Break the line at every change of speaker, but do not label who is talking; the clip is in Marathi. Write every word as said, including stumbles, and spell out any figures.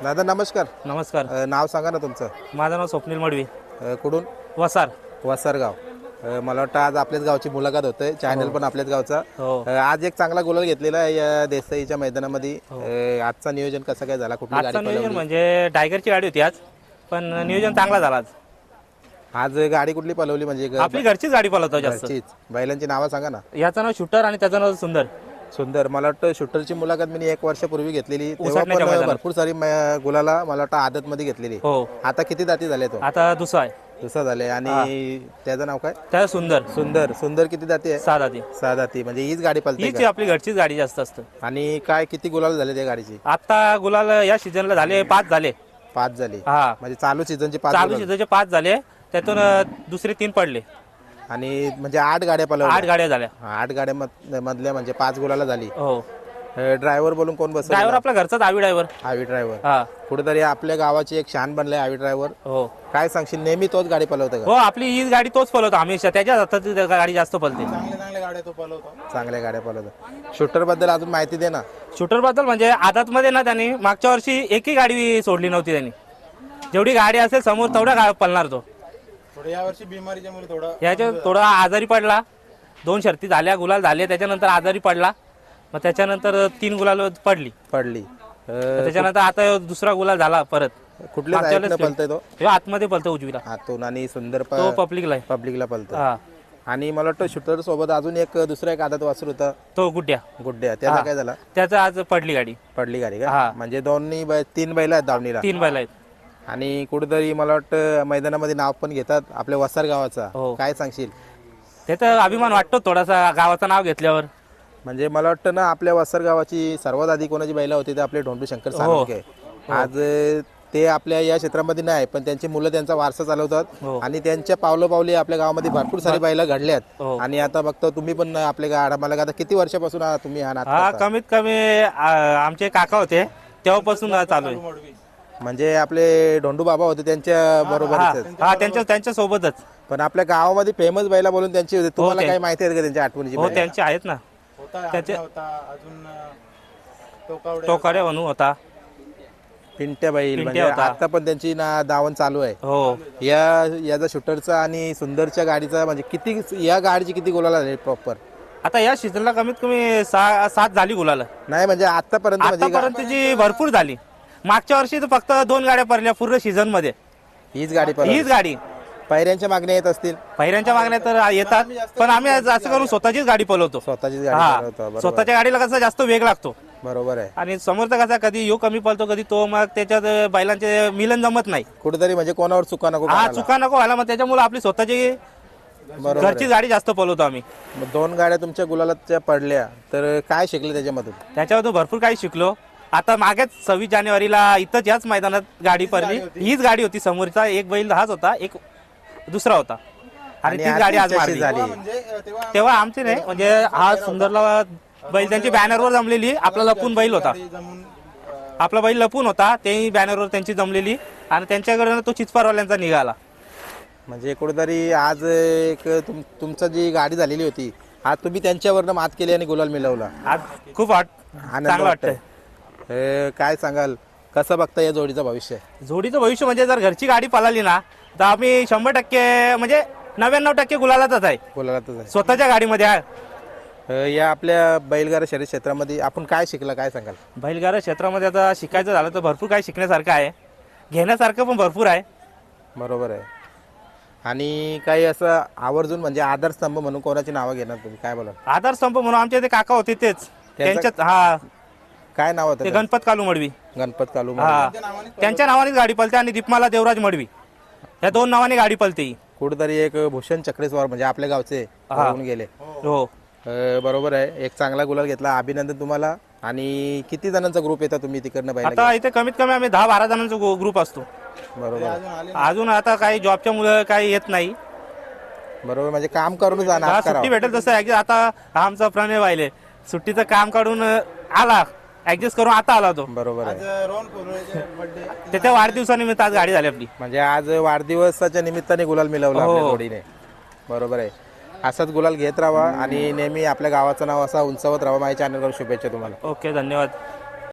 दादा नमस्कार.
नमस्कार.
अ, नाव सांगा ना तुमचं.
माझं नाव स्वप्नील मडवी,
अ, कुठून?
वसार.
वसरगाव. अ, मला वाटतं आज आपल्याच गावची मुलाखत होते, चॅनल पण आपल्याच गावचा.
हो.
अ, आज एक चांगला गुलाल घेतलेला आहे या देसाईच्या मैदानामध्ये. अ, आजचा नियोजन कसं काय झाला, कुठली गाडी
आजचं नियोजन
पळवली?
म्हणजे टायगरची गाडी होती आज, पण नियोजन चांगला झाला आज.
आज गाडी कुठली पळवली म्हणजे ग-
आपली घरचीच गाडी पळवतो जास्त.
घरचीच. बैलांची नावं सांगा ना.
याचं नाव शूटर आणि त्याचं नाव सुंदर.
सुंदर. मला वाटतं शूटरची मुलाखत मी एक वर्षापूर्वी घेतलेली, तेव्हा
उसटण्याच्या
पण
मैदानात.
भरपूर सारी म- गुलाला मला वाटतं आदत मध्ये घेतलेली.
हो.
आता किती दाती झाले तो?
आता दुसरा आहे,
दुसरा झाले. आणि त्याचं नाव काय?
त्याचं सुंदर.
सुंदर. सुंदर किती दाती आहे?
सहा दाती.
सहा दाती. म्हणजे हीच गाडी पळते
हीच
का?
आपली घरचीच गाडी जास्त असतं.
आणि काय किती गुलाल झाले त्या गाडीची?
आता गुलाल या सीझनला झाले पाच झाले.
पाच झाली.
हा,
म्हणजे चालू सीझनची पाच
चालू
गुलाल.
सीझनचे पाच झाले, त्यातून अ, दुसरे तीन पडले.
आणि म्हणजे आठ गाड्या पळवल्या.
आठ गाड्या झाल्या.
हा, आठ गाड्या मध- मधल्या म्हणजे पाच गुलाला झाली.
हो.
ड्रायव्हर बोलून कोण बसवला?
ड्रायव्हर आपला घरचाच आवी ड्रायव्हर.
आवी ड्रायव्हर.
हा.
कुठेतरी आपल्या गावाची एक शान बनलाय आवी ड्रायव्हर.
हो.
काय सांगशील, नेहमी तोच गाडी पळवतो
हो,
का?
आपली हीच गाडी तोच पळवतो हमेशा. त्याच्या हातात ती गाडी जास्त पळते.
चांगल्या गाड्या पळवतो. शूटर बद्दल अजून माहिती दे ना.
शूटर बद्दल म्हणजे आदात मध्ये ना त्यांनी मागच्या वर्षी एकही गाडी सोडली नव्हती. त्यांनी जेवढी गाडी असेल समोर तेवढ्या गा पळणार तो.
या वर्षी बिमारीच्या मुळे थोडा
याच्या थोडा आजारी पडला. दोन शर्ती झाल्या, गुलाल झाले, त्याच्यानंतर आजारी पडला. मग त्याच्यानंतर तीन गुलाल पडली.
पडली. अ,
त्याच्यानंतर आता दुसरा गुलाल झाला परत.
कुठल्या
मागच्या
साईडनं
वेळेस
पळतोय तो?
तो आतमध्ये पळतो उजवीला.
आतून. आणि सुंदर
तो पब्लिकला आहे.
पब्लिकला पळतो.
हा,
आणि मला वाटतं शूटर सोबत अजून एक दुसरा एक आदत वासर होता,
तो गुड्ड्या.
गुड्ड्या. त्याला
हा.
काय झाला?
त्याचं आज पडली गाडी.
पडली गाडी
हा.
का? म्हणजे दोन्ही बै- तीन बैल आहेत दावणीला.
तीन बैल आहेत.
आणि कुठेतरी मला वाटतं मैदानामध्ये नाव पण घेतात आपल्या वसार गावाचा.
हो.
काय सांगशील?
ते तर अभिमान वाटतो थोडासा गावाचं नाव घेतल्यावर.
म्हणजे मला वाटतं ना, आपल्या वसार गावाची सर्वात आधी कोणाची बैला होती ते आपले ढोंडू शंकर साळुंखे. आज अ, ते आपल्या या क्षेत्रामध्ये नाही, पण त्यांची मुलं त्यांचा वारसा चालवतात.
हो.
आणि त्यांच्या पावलं पावली आपल्या गावामध्ये भरपूर सारी बैला घडल्यात.
हो.
आणि आता बघतो तुम्ही पण आपल्या गाडा मला आता किती वर्षापासून हा तुम्ही हा नाद
हा,
करता?
कमीत कमी आ, आमचे काका होते तेव्हापासून चालू आहे.
म्हणजे आपले ढोंडू बाबा होते त्यांच्या बरोबर.
हा, हा, त्यांच्या त्यांच्या सोबतच.
पण आपल्या गावामध्ये फेमस बैला बोलून त्यांची होती. तुम्हाला
ते.
काय माहिती आहे का त्यांच्या आठवणीची
हो,
बैलं?
त्यांचे आहेत ना.
होता
त्याचे-
आज्ञा होता अजून टोकावडे
टोकाडे म्हणून होता.
पिंट्या बैल.
पिंट्या
म्हणजे
होता.
आता पण त्यांची ना दावण चालू आहे.
हो.
या याचा शूटरचा आणि सुंदरच्या गाडीचा म्हणजे किती, या गाडीची किती गोलाला झाली प्रॉपर?
आता या सीझनला कमीत कमी सहा सात झाली गुलाल.
नाही म्हणजे आतापर्यंत म्हणजे गा-
आतापर्यंतची भरपूर झाली. मागच्या वर्षी तर फक्त दोन गाड्या पडल्या पूर्ण सीझन मध्ये.
हीच गाडी
हीच
पळवली.
गाडी.
पायऱ्यांच्या मागण्या येत असतील.
पहिऱ्यांच्या मागण्या तर येतात, पण आम्ही असं करून स्वतःचीच गाडी पळवतो.
स्वतःचीच गाडी
हा,
पळवतो. बरोबर.
स्वतःच्या गाडीला कसा जास्त वेग लागतो.
बरोबर आहे.
आणि समोरचा कसा कधी यो कमी पळतो, कधी तो, मग त्याच्यात बैलांचे मिलन जमत नाही.
कुठेतरी म्हणजे कोणावर चुका नको
हा,
करायला.
चुका नको व्हायला. मग त्याच्यामुळे आपली स्वतःची
बरोबर
घरची
आहे.
गाडी जास्त पळवतो आम्ही.
मग दोन गाड्या तुमच्या गुलालाच्या पडल्या तर काय शिकले त्याच्यामधून?
त्याच्यावर भरपूर काही शिकलो. आता मागेच सव्वीस जानेवारीला इथंच याच मैदानात गाडी पडली. हीच गाडी होती. समोरचा एक बैल हाच होता, एक दुसरा होता. आणि
आणि
ती
आज
गाडी आज
त्यांच्याशी
मारली.
झाली.
म्हणजे तेव्हा
तेव्हा आमची नाही, म्हणजे हा सुंदरला बैल त्यांची बॅनरवर जमलेली. आपला लपून बैल होता.
जमून
आपला बैल लपून होता, तेही बॅनरवर त्यांची जमलेली. आणि त्यांच्याकडे तो चिचपारवाल्यांचा निघाला.
म्हणजे कुठेतरी आज एक तुम तुमचं जी गाडी झालेली होती, आज तुम्ही त्यांच्यावरनं मात केली आणि गुलाल मिळवला.
आज खूप वाट
आनंद
चांगलं वाटतंय.
वाटतंय. काय सांगाल, कसं बघता या जोडीचं भविष्य?
जोडीचं भविष्य म्हणजे जर घरची गाडी पळाली ना, तर आम्ही शंभर टक्के म्हणजे नव्याण्णव टक्के गुलालातच आहे.
गुलालातच आहे.
स्वतःच्या गाडीमध्ये आहे.
अ, या आपल्या बैलगाडा शर्यत क्षेत्रामध्ये आपण काय शिकला, काय सांगाल?
बैलगाडा क्षेत्रामध्ये आता शिकायचं झालं तर भरपूर काही शिकण्यासारखं आहे, घेण्यासारखं पण भरपूर आहे.
बरोबर आहे. आणि काही असं आवर्जून म्हणजे आधारस्तंभ म्हणून कोणाची नावं घेणार तुम्ही, काय बोला?
आधारस्तंभ म्हणून आमचे ते काका होते तेच. त्यांच्यात हा,
काय नाव
ते
होतं?
गणपत कालू मडवी.
गणपत कालू.
हा, त्यांच्या नावानेच गाडी पळते. आणि दीपमाला देवराज मडवी, या दोन नावाने गाडी पळते ही.
कुठेतरी एक भूषण चक्रेश्वर म्हणजे आपल्या गावचे
हा.
होऊन गेले.
हो.
अ, बरोबर आहे. एक चांगला गुलाल घेतला, अभिनंदन तुम्हाला. आणि किती जणांचा ग्रुप येता तुम्ही तिकडनं बैल?
आता इथे कमीत कमी आम्ही दहा बारा जणांचा ग्रुप असतो.
बरोबर आहे.
अजून आले
अजून आता काही जॉबच्या मुलं काही येत नाही.
बरोबर, म्हणजे काम करूनच
हा,
जाणार
सुट्टी भेटेल तसं ऍडजस्ट. आता आमचा प्रणय व्हायले सुट्टीचं काम काढून आला, ऍडजस्ट करून आता आला तो.
बरोबर आहे.
आज रोहन कोल्हेचे बर्थडे
त्याच्या वाढदिवसानिमित्त आज गाडी झाली आपली.
म्हणजे आज वाढदिवसाच्या निमित्ताने गुलाल मिळवला आपल्या
हो.
जोडीने. बरोबर आहे. असाच गुलाल घेत राहा आणि नेहमी आपल्या गावाचं नाव असा उंचावत राहा. माझ्या चॅनलवर शुभेच्छा तुम्हाला.
ओके, धन्यवाद.